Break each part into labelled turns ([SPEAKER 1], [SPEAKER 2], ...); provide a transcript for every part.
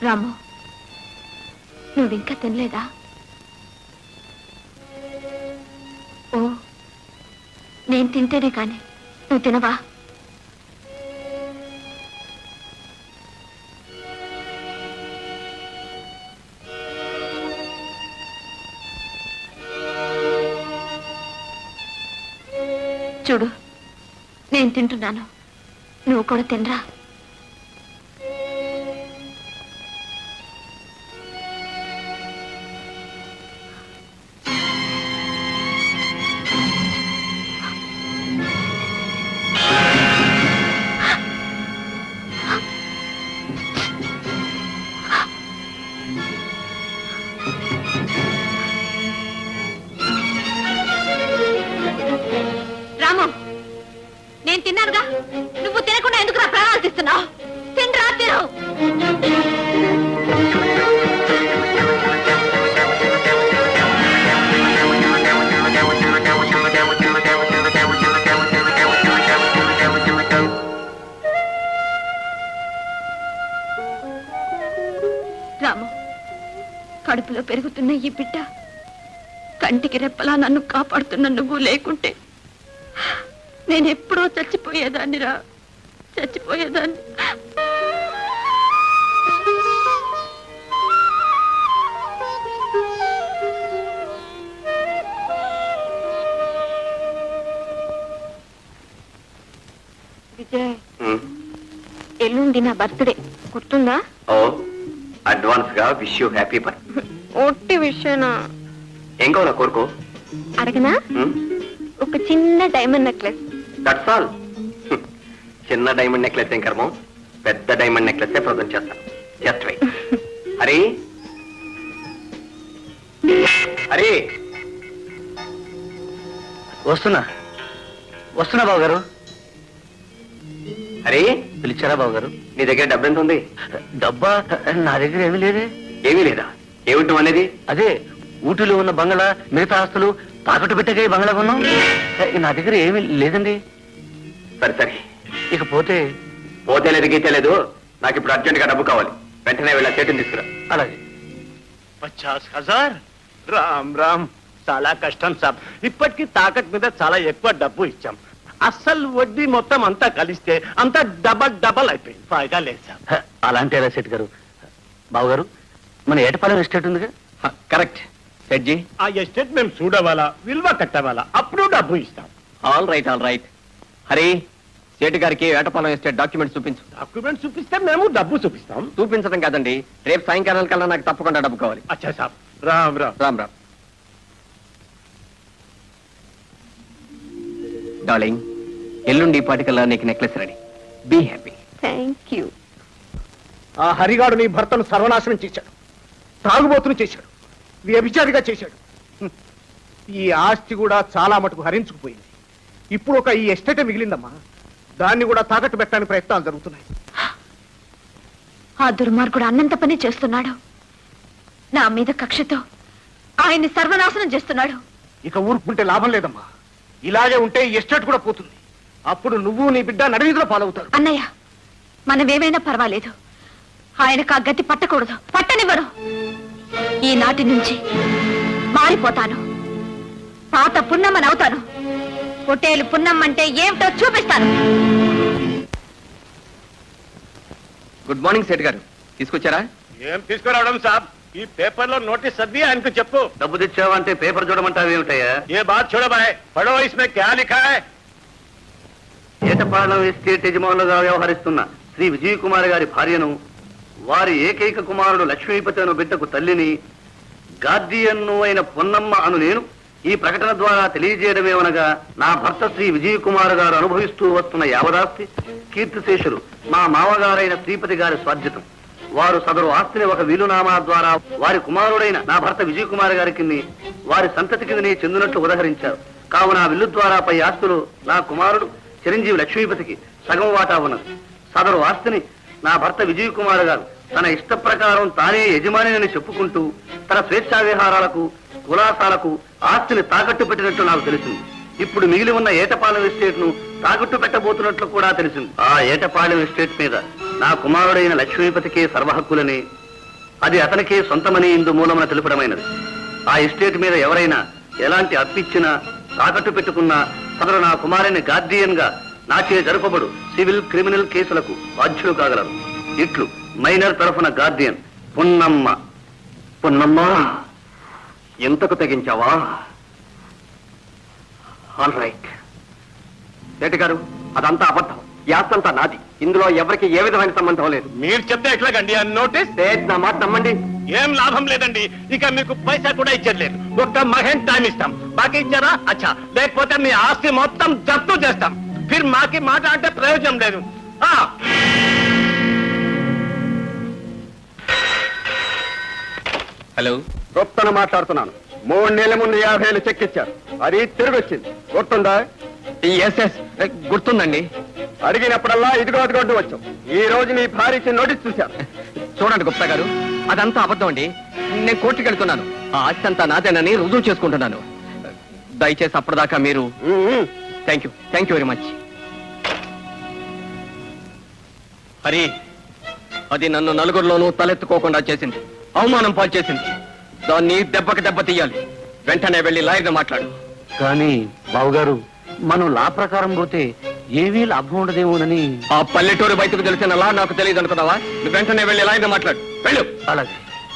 [SPEAKER 1] రాము, నువ్వింకా తినలేదా? ఓ, నేను తింటేనే కానీ నువ్వు తినవా? చూడు, నేను తింటున్నాను, నువ్వు కూడా తినరా. రాము, నేను తిన్నానుగా, నువ్వు తినకుండా ఎందుకు నా ప్రాణాలు తీస్తున్నావు? తినరా, తిను. రాము, కడుపులో పెరుగుతున్న ఈ బిడ్డ కంటికి రెప్పలా నన్ను కాపాడుతున్న నువ్వు లేకుంటే నేనెప్పుడో చచ్చిపోయేదాన్ని రా, చచ్చిపోయేదాన్ని. విజయ్, ఎల్లుండి నా బర్త్డే, గుర్తుందా?
[SPEAKER 2] ఓ, అడ్వాన్స్ గా విష్ యూ హ్యాపీ బర్త్డే.
[SPEAKER 1] ఒట్టి విషయనా?
[SPEAKER 2] ఏం కావాలా కోరుకో.
[SPEAKER 1] అడగనా? ఒక చిన్న డైమండ్ నెక్లెస్.
[SPEAKER 2] That's all. చిన్న డైమండ్ నెక్లెస్ ఏం కర్మం, పెద్ద డైమండ్ నెక్లెస్ ప్రజెంట్ చేస్తాను. Just wait. హరి, హరి,
[SPEAKER 3] వస్తున్నా వస్తున్నా బాబు గారు.
[SPEAKER 2] హరి,
[SPEAKER 3] పిలిచారా బాబు గారు?
[SPEAKER 2] నీ దగ్గర డబ్బు ఎంత ఉంది?
[SPEAKER 3] డబ్బా నా దగ్గర ఏమీ లేదే.
[SPEAKER 2] ఏమీ లేదా? ఏమిటం అనేది?
[SPEAKER 3] అదే ఊటీలో ఉన్న బంగ్లా, మిగతా ఆస్తులు తాకట్టు పెట్టగా బంగ్లా కొన్నాం. నా దగ్గర ఏమీ లేదండి.
[SPEAKER 2] సరే సరే,
[SPEAKER 3] ఇకపోతే
[SPEAKER 2] పోతే లేదు గీతే లేదు, నాకు ఇప్పుడు అర్జెంట్ గా డబ్బు కావాలి. వెంటనే వెళ్ళా చేతిని తీసుకురా.
[SPEAKER 3] అలాగే.
[SPEAKER 4] 50,000. రామ్ రామ్, చాలా కష్టం సాబ్. ఇప్పటికీ తాకట్ మీద చాలా ఎక్కువ డబ్బు ఇచ్చాం. అస్సలు వడ్డీ మొత్తం అంతా కలిస్తే అంతా డబల్ డబల్ అయిపోయింది. ఫాయిదా లేదు సాబ్.
[SPEAKER 3] అలాంటి ఎలా సెట్ గారు? బాబు గారు, మన ఏటపాలెం ఎస్టేట్ ఉందిగా?
[SPEAKER 2] కరెక్ట్ సెట్జీ.
[SPEAKER 4] ఆ ఎస్టేట్ మేము చూడవాలా, విలువ కట్టవాలా, అప్పుడు డబ్బు ఇస్తాం.
[SPEAKER 2] All right all right. Hari, సేటు గారికి వేటపాలెం ఎస్టేట్ డాక్యుమెంట్ చూపించు.
[SPEAKER 4] డాక్యుమెంట్ చూపిస్తే మేము డబ్బు చూపిస్తాం.
[SPEAKER 2] చూపించడం కాదండి, రేపు సాయంకాలం కల్లా నాకు తప్పకుండా డబ్బు కావాలి.
[SPEAKER 4] అచ్చా సాబ్. రామ్ రామ్.
[SPEAKER 2] రామ్ రామ్. డార్లింగ్, ఎల్లుండి పాటికల్లా నీకు necklace ready. Be happy.
[SPEAKER 1] Thank you.
[SPEAKER 4] ఆ హరిగాడు నీ భర్తను సర్వనాశనం చేశాడు, తాగుబోతును చేశాడు, వ్యభిచారిగా చేశాడు. ఈ ఆస్తి కూడా చాలా మటుకు హరించుకుపోయింది. ఇప్పుడు ఒక ఈ ఎస్టేటే మిగిలిందమ్మా. దాన్ని కూడా తాకట్టు పెట్టడానికి ప్రయత్నాలు జరుగుతున్నాయి.
[SPEAKER 1] ఆ దుర్మార్గుడు అన్నంత పని చేస్తున్నాడు. నా మీద కక్షతో ఆయన్ని సర్వనాశనం చేస్తున్నాడు.
[SPEAKER 4] ఇక ఊరుకుంటే లాభం లేదమ్మా. ఇలాగే ఉంటే ఈ ఎస్టేట్ కూడా పోతుంది. అప్పుడు నువ్వు నీ బిడ్డ నడివీధిలో పాలవుతారు.
[SPEAKER 1] అన్నయ్య, మనమేమైనా పర్వాలేదు, ఆయనకు ఆ గతి పట్టకూడదు, పట్టనివ్వరు. ఈనాటి నుంచి మారిపోతాను, పాత పున్నమ్మని అవుతాను. పొట్టేలు పున్నమ్మంటే ఏమిటో చూపిస్తాను.
[SPEAKER 2] గుడ్ మార్నింగ్ సేట్ గారు, తీసుకొచ్చారా?
[SPEAKER 4] ఏం తీసుకురావడం సాబ్, ఈ పేపర్ లో నోటీస్ చదివి ఆయనకు చెప్పు.
[SPEAKER 3] డబ్బు తెచ్చావంటే పేపర్ చూడమంటావు ఏమిటయ్యా?
[SPEAKER 4] ఏ బాత్ చూడబాయ్, పడో ఇస్మే క్యా లిఖా హై?
[SPEAKER 3] ఏటపాలెం ఎస్టేట్ యజమానులుగా వ్యవహరిస్తున్న శ్రీ విజయ్ కుమార్ గారి భార్యను, వారి ఏకైక కుమారుడు లక్ష్మీపతి అను బిడ్డకు తల్లిని, గార్డియన్ను అయిన పొన్నమ్మ అను నేను ఈ ప్రకటన ద్వారా తెలియజేయడమేమనగా, నా భర్త శ్రీ విజయ్ కుమార్ గారు అనుభవిస్తూ వస్తున్న యావదాస్తి కీర్తిశేషులు మా మామగారైన శ్రీపతి గారి స్వార్జితం. వారు సదరు ఆస్తిని ఒక వీలునామా ద్వారా వారి కుమారుడైన నా భర్త విజయ్ కుమార్ గారికి వారి సంతతి కిందని చెందినట్లు ఉదహరించారు. కావున విల్లు ద్వారా పై ఆస్తులు నా కుమారుడు చిరంజీవి లక్ష్మీపతికి సగం వాటా ఉన్నది. సదరు ఆస్తిని నా భర్త విజయ్ కుమార్ గారు తన ఇష్ట ప్రకారం తానే యజమానిని చెప్పుకుంటూ తన స్వేచ్ఛా విహారాలకు, కులాసాలకు ఆస్తిని తాకట్టు పెట్టినట్లు నాకు తెలిసింది. ఇప్పుడు మిగిలి ఉన్న ఏటపాలెం ఎస్టేట్ ను తాకట్టు పెట్టబోతున్నట్లు కూడా తెలిసింది. ఆ ఏటపాలెం ఎస్టేట్ మీద నా కుమారుడైన లక్ష్మీపతికే సర్వహక్కులని అది అతనికే సొంతమని ఇందు మూలమున తెలుపడమైనది. ఆ ఎస్టేట్ మీద ఎవరైనా ఎలాంటి అప్పిచ్చినా తాకట్టు పెట్టుకున్నా సదరు నా కుమారుని గార్డియన్ గా నాచే జరుపబడు సివిల్ క్రిమినల్ కేసులకు బాధ్యులు కాగలరు. ఇట్లు మైనర్ తరఫున గార్డియన్ పున్నమ్మ.
[SPEAKER 2] పున్నమ్మా, ఎంతకు తెగించావా? All right. సేటు గారు, అదంతా అబద్ధం. యాస్తంతా నాది. ఇందులో ఎవరికి ఏ విధమైన సంబంధం లేదు.
[SPEAKER 4] మీరు చెప్తే ఎట్లాగండి ఆ నోటీస్?
[SPEAKER 2] సేట్, నా మాట నమ్మండి.
[SPEAKER 4] ఏం లాభం లేదండి. ఇక మీకు పైసా కూడా ఇచ్చట్లేదు. ఒక్క మహేన్ టైం ఇస్తాం. బాకీ ఇచ్చారా? అచ్చా. లేకపోతే మీ ఆస్తి మొత్తం జప్తు చేస్తాం. ఫిర్ మాకి మాట అంటే ప్రయోజనం లేదు.
[SPEAKER 2] హలో,
[SPEAKER 3] గొప్పను మాట్లాడుతున్నాను. 3 నెలల ముందు 50,000 చెక్ ఇచ్చారు. అది తిరిగి వచ్చింది. గుర్తుందా?
[SPEAKER 2] ఎస్ గుర్తుందండి.
[SPEAKER 3] అడిగినప్పుడల్లా ఇదిగో అదిగొడ్డు వచ్చాం. ఈ రోజు నీ భార్యకి నోటీస్ చూశారు.
[SPEAKER 2] చూడండి గుప్తా గారు, అదంతా అబద్ధం అండి. నేను కోర్టుకి వెళ్తున్నాను. ఆ ఆస్తి అంతా నాదేనని రుజువు చేసుకుంటున్నాను. దయచేసి అప్పటిదాకా మీరు. Thank you very much. Hari, అది నన్ను నలుగురిలోనూ తలెత్తుకోకుండా చేసింది, అవమానం పాలు చేసింది. దాన్ని దెబ్బకి దెబ్బ తీయాలి. వెంటనే వెళ్ళి లాయర్ని మాట్లాడు.
[SPEAKER 3] కానీ బావుగారు, మనం లా ప్రకారం పోతే ఏమీ లాభం ఉండదేమోనని.
[SPEAKER 2] ఆ పల్లెటూరు బయటకు తెలిసిన లా నాకు తెలియదు అనుకున్నావా? నువ్వు వెంటనే వెళ్ళి లాయర్ని మాట్లాడు. వెళ్ళు.
[SPEAKER 3] అలాగే.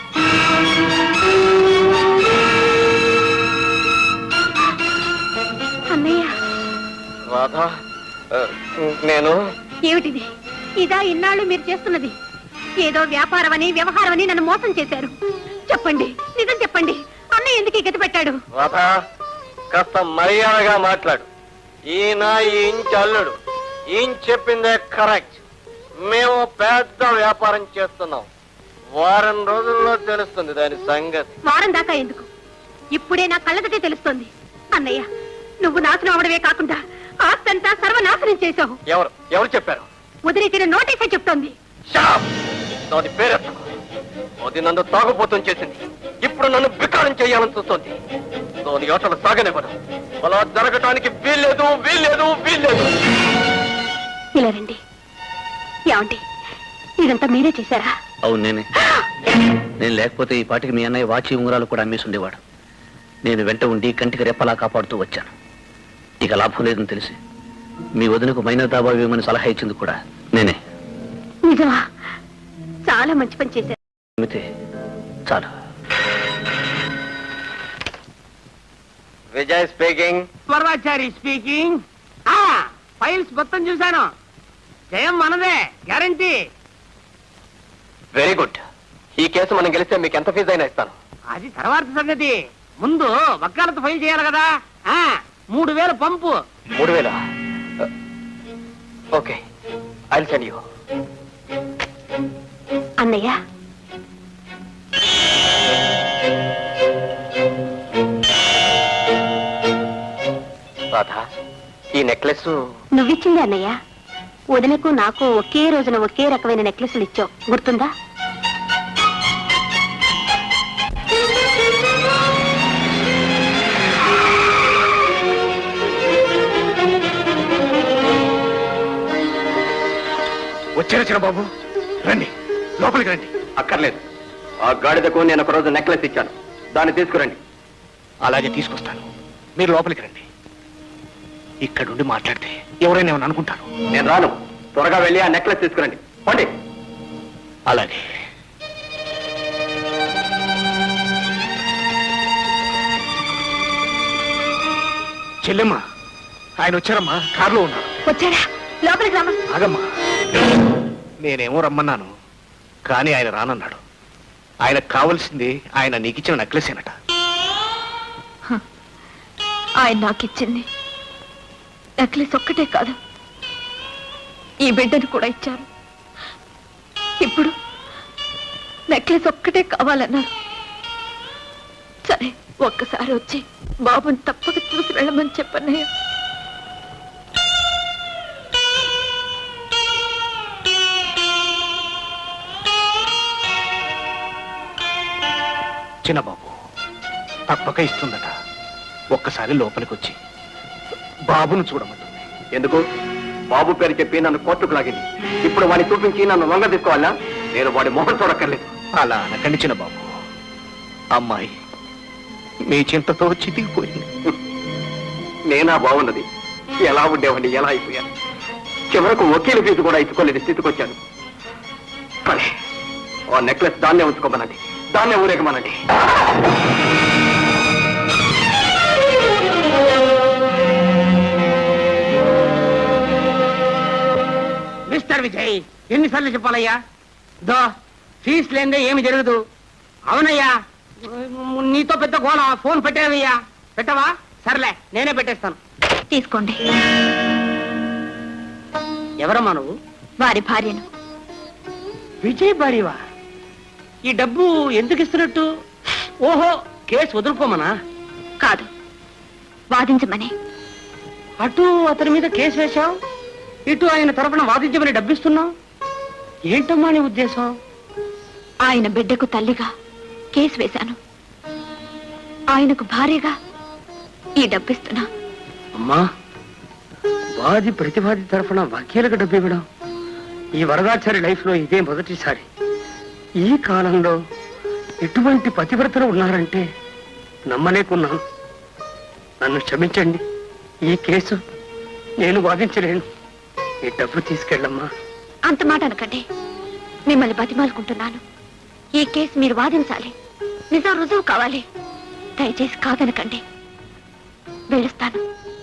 [SPEAKER 1] అన్నయ్య,
[SPEAKER 2] రాధా, నేను
[SPEAKER 1] ఏమిటిది? ఇదా ఇన్నాళ్ళు మీరు చేస్తున్నది? ఏదో వ్యాపారమని వ్యవహారమని నన్ను మోసం చేశారు. చెప్పండి, నిజం చెప్పండి. అన్నయ్య ఎందుకు గతి పెట్టాడు?
[SPEAKER 2] రాధా, కాస్త మర్యాదగా మాట్లాడు. ఈయన ఈ ఇంటి అల్లుడు. ఈయన చెప్పిందే కరెక్ట్. మేము పెద్ద వ్యాపారం చేస్తున్నాం. వారం రోజుల్లో తెలుస్తుంది దాని సంగతి.
[SPEAKER 1] వారం దాకా ఎందుకు? ఇప్పుడే నా కళ్ళదటే తెలుస్తోంది. అన్నయ్య, నువ్వు నాశనం అవడమే కాకుండా ఆస్తంతా సర్వనాశనం చేశావు.
[SPEAKER 2] ఎవరు చెప్పారు?
[SPEAKER 1] వదిలిచ్చిన నోటీసే చెప్తోంది.
[SPEAKER 2] దాని పేరెత్తకు. అది నన్ను తాగుబోతం చేసింది. ఇప్పుడు నన్ను వికారం చేయాలని చూస్తోంది. దాని ఆటలు సాగనివ్వడం. అలా జరగటానికి వీల్లేదు.
[SPEAKER 1] ఇలా రండి. ఏమండి, ఇదంతా మీరే చేశారా?
[SPEAKER 3] అవును, నేనే. నేను లేకపోతే ఈ పాటికి మీ అన్నయ్య వాచి ఉంగరాలు కూడా అమ్మేసి ఉండేవాడు. నేను వెంట ఉండి కంటికి రెప్పలా కాపాడుతూ వచ్చాను. ఇక లాభం లేదని తెలిసి మీ వదినకు మైనర్ దాబా ఇవ్వమని సలహా ఇచ్చింది కూడా నేనే.
[SPEAKER 1] నిజమా? చాలా మంచి పని చేశారు.
[SPEAKER 3] చాలు.
[SPEAKER 2] Vijay speaking.
[SPEAKER 5] Parvachari speaking. Files మొత్తం చూశాను. జయం మనదే, గ్యారంటీ.
[SPEAKER 2] Very good. ఈ కేసు మనం గెలిస్తే మీకు ఎంత ఫీజు అయినా ఇస్తాను.
[SPEAKER 5] అది తర్వాత సంగతి. ముందు వకాలత్ ఫైల్ చేయాలి కదా. 3,000 పంపు.
[SPEAKER 2] 3,000? Okay, I will send you.
[SPEAKER 1] అన్నయ్య,
[SPEAKER 2] రాధా, ఈ నెక్లెస్
[SPEAKER 1] నువ్విచ్చింది అన్నయ్య. వదినకు నాకు ఒకే రోజున ఒకే రకమైన నెక్లెస్లు ఇచ్చావు, గుర్తుందా?
[SPEAKER 4] వచ్చారా బాబు? రండి, లోపలికి రండి.
[SPEAKER 2] అక్కర్లేదు. ఆ గాడిదకు నేను ఒక రోజు నెక్లెస్ ఇచ్చాను. దాన్ని తీసుకురండి.
[SPEAKER 4] అలాగే తీసుకొస్తాను. మీరు లోపలికి రండి. ఇక్కడుండి మాట్లాడితే ఎవరైనా ఏమని అనుకుంటారు.
[SPEAKER 2] నేను రాను. త్వరగా వెళ్ళి ఆ నెక్లెస్ తీసుకురండి. పండి.
[SPEAKER 4] అలాగే. చెల్లెమ్మ, ఆయన వచ్చారమ్మా. కారులో ఉన్నారు.
[SPEAKER 1] వచ్చాడా? లోపలికి రామా.
[SPEAKER 4] ఆగమ్మా, నేనేమో రమ్మన్నాను, కానీ ఆయన రానన్నాడు. ఆయనకు కావలసింది ఆయన నీకిచ్చిన నెక్లెసేనట.
[SPEAKER 1] ఆయన నాకిచ్చింది నెక్లెస్ ఒక్కటే కాదు, ఈ బిడ్డను కూడా ఇచ్చారు. ఇప్పుడు నెక్లెస్ ఒక్కటే కావాలన్నారు. సరే, ఒక్కసారి వచ్చి బాబుని తప్పక చూసి వెళ్ళమని చెప్పన్నయ్య.
[SPEAKER 4] చిన్నబాబు తప్పక ఇస్తుందట. ఒక్కసారి లోపలికి వచ్చి బాబును చూడమంటుంది.
[SPEAKER 2] ఎందుకు? బాబు పేరు చెప్పి నన్ను కోర్టుకు లాగింది. ఇప్పుడు వాడిని చూపించి నన్ను లొంగ తీసుకోవాలా?
[SPEAKER 3] నేను వాడి మొహం చూడక్కర్లేదు.
[SPEAKER 4] అలా అనకండి చిన్న బాబు. అమ్మాయి మీ చింతతో చితికిపోయింది.
[SPEAKER 3] నేనా బాగున్నది? ఎలా ఉండేవాడిని, ఎలా అయిపోయాను. చివరకు వకీలు ఫీజు కూడా ఇచ్చుకోలేని స్థితికి వచ్చాను. సరే, ఆ నెక్లెస్ దాన్నే ఉంచుకోమనండి, దాన్నే ఊరేగమనండి.
[SPEAKER 5] మిస్టర్ విజయ్, ఎన్నిసార్లు చెప్పాలయ్యా? దో ఫీజు లేదే ఏమి జరగదు. అవునయ్యా, నీతో పెద్ద గోళ. ఫోన్ పెట్టావయ్యా. పెట్టవా? సర్లే, నేనే పెట్టేస్తాను.
[SPEAKER 1] తీసుకోండి.
[SPEAKER 5] ఎవరమ్మా నువ్వు?
[SPEAKER 1] వారి భార్యను.
[SPEAKER 5] విజయ్ భార్యవా? ఈ డబ్బు ఎందుకు ఇస్తున్నట్టు? ఓహో, కేసు వదులుకోమనా?
[SPEAKER 1] కాదు, వాదించమని.
[SPEAKER 5] అటు అతని మీద కేసు వేశావు, ఇటు ఆయన తరఫున వాదించమని డబ్బిస్తున్నావు. ఏంటమ్మా నీ ఉద్దేశం?
[SPEAKER 1] ఆయన బిడ్డకు తల్లిగా కేసు వేశాను, ఆయనకు భార్యగా ఈ డబ్బిస్తున్నా.
[SPEAKER 5] అమ్మా, వాది ప్రతివాది తరఫున వకీలకు డబ్బు ఇవ్వడం ఈ వరదాచారి లైఫ్ లో ఇదే మొదటిసారి. ఈ కాలంలో ఎటువంటి పతివ్రతలు ఉన్నారంటే నమ్మలేకున్నాను. నన్ను క్షమించండి, ఈ కేసు నేను వాదించలేను. ఈ డబ్బు తీసుకెళ్ళమ్మా.
[SPEAKER 1] అంత మాట అనకండి, మిమ్మల్ని బతిమాలుకుంటున్నాను. ఈ కేసు మీరు వాదించాలి, నిజం రుజువు కావాలి. దయచేసి కాదనకండి, వెళ్ళొస్తాను.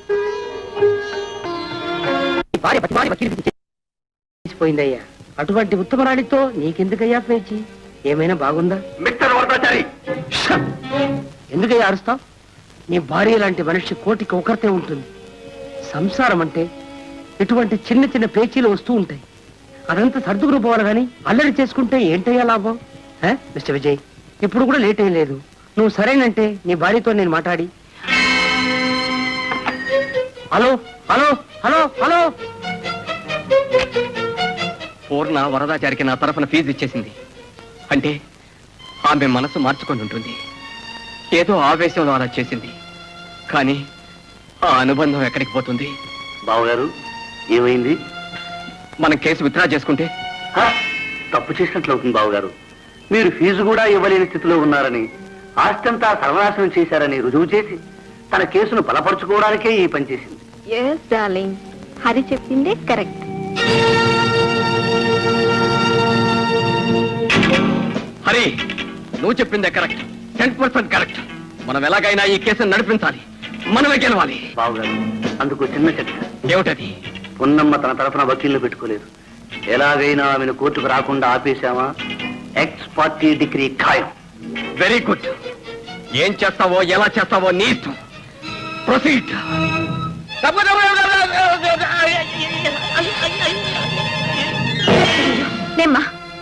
[SPEAKER 5] పోయిందయ్యా. అటువంటి ఉత్తమరాణితో నీకెందుకయ్యా పేచి? ఏమైనా బాగుందా?
[SPEAKER 3] మిస్టర్ వరదాచారి,
[SPEAKER 5] ఎందుకయ్యా అరుస్తావు? నీ భార్య లాంటి మనిషి కోటికి ఒకరితే ఉంటుంది. సంసారం అంటే ఇటువంటి చిన్న చిన్న పేచీలు వస్తూ ఉంటాయి. అదంతా సర్దుకుని పోవాలి కానీ అల్లరి చేసుకుంటే ఏంటయ్యా లాభం? మిస్టర్ విజయ్, ఇప్పుడు కూడా లేట్ ఏం లేదు. నువ్వు సరేనంటే నీ భార్యతో నేను మాట్లాడి. Hello hello hello hello,
[SPEAKER 6] Purna వరదాచారికి నా తరఫున ఫీజు ఇచ్చేసింది. అంటే ఆమె మనసు మార్చుకొని ఉంటుంది. ఏదో ఆవేశంలో అలా చేసింది. కానీ ఆ అనుబంధం ఎక్కడికి పోతుంది?
[SPEAKER 3] బావగారు, ఏమైంది?
[SPEAKER 6] మనం కేసు విత్డ్రా చేసుకుంటే
[SPEAKER 3] తప్పు చేసినట్లు అవుతుంది బావగారు. మీరు ఫీజు కూడా ఇవ్వలేని స్థితిలో ఉన్నారని, ఆస్తంతా సర్వనాశనం చేశారని రుజువు చేసి తన కేసును బలపరుచుకోవడానికే ఈ పని చేసింది.
[SPEAKER 1] ఎస్ డార్లింగ్, హరి చెప్పిందే కరెక్ట్.
[SPEAKER 6] హరి, నువ్వు చెప్పిందే కరెక్ట్, 10% కరెక్ట్. మనం ఎలాగైనా ఈ కేసును నడిపించాలి, మనమే గెలవాలి.
[SPEAKER 3] బావగారు, అందుకు చిన్న చర్చ.
[SPEAKER 6] ఏమిటది?
[SPEAKER 3] పొన్నమ్మ తన తరఫున వకీల్ని పెట్టుకోలేదు. ఎలాగైనా ఆమెను కోర్టుకు రాకుండా ఆపేశామా, ఎక్స్ పార్టీ డిగ్రీ ఖాయం.
[SPEAKER 6] Very good. ఏం చేస్తావో ఎలా చేస్తావో నీ ఇష్టం. ప్రొసీడ్.
[SPEAKER 1] నేమ్మా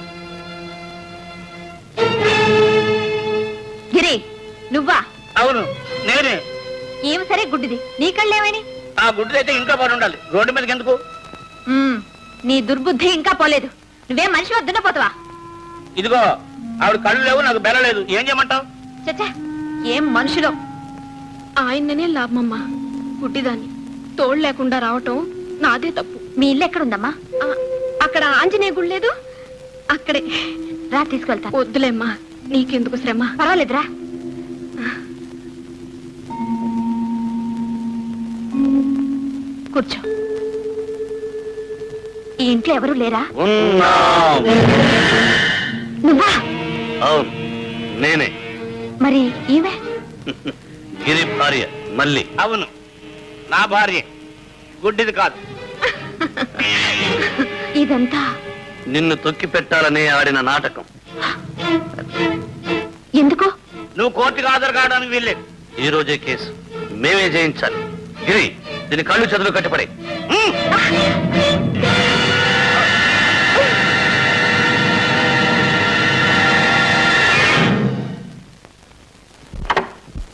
[SPEAKER 1] గిరి, నువ్వా?
[SPEAKER 5] అవును, నేనే.
[SPEAKER 1] ఏమి సరే గుడ్డిది, నీ కళ్ళేమని?
[SPEAKER 5] ఆ గుడ్డైతే ఇంట్లో పడి ఉండాలి, రోడ్డు మీదకి ఎందుకు?
[SPEAKER 1] నీ దుర్బుద్ధి ఇంకా పోలేదు. నువ్వేం మనిషి వద్దున పోతావా?
[SPEAKER 5] ఇదిగో, ఆవిడ కళ్ళు లేవు, నాకు బెల లేదు. ఏం చేయమంటావు?
[SPEAKER 1] చచ్చా, ఏం మనుషులో.
[SPEAKER 7] ఆయననే లాభమమ్మా. గుడ్డిదాన్ని తోడు లేకుండా రావటం నాదే తప్పు.
[SPEAKER 1] మీ ఇల్లు ఎక్కడుందమ్మా?
[SPEAKER 7] అక్కడ ఆంజనేయ గుడి లేదు, అక్కడే.
[SPEAKER 1] రా, తీసుకెళ్తా.
[SPEAKER 7] వద్దులేమ్మా, నీకెందుకు శ్రమ.
[SPEAKER 1] పర్వాలేదురా. కూర్చో. ఈ ఇంట్లో ఎవరు లేరా? నువ్వా?
[SPEAKER 3] అవును, నేనే.
[SPEAKER 1] మరి ఈమె?
[SPEAKER 3] గిరి భార్య మళ్ళీ.
[SPEAKER 5] అవును, నా భార్య. గుడ్డిది కాదు.
[SPEAKER 1] ఇదంతా
[SPEAKER 3] నిన్ను తొక్కి పెట్టాలని ఆడిన నాటకం.
[SPEAKER 1] ఎందుకు?
[SPEAKER 5] నువ్వు కోర్టుకు హాజరు కావడానికి వీల్లేదు.
[SPEAKER 3] ఈ రోజే కేసు మేమే జయించాలి. గిరి, దీని కళ్ళు చదువు కట్టపడే.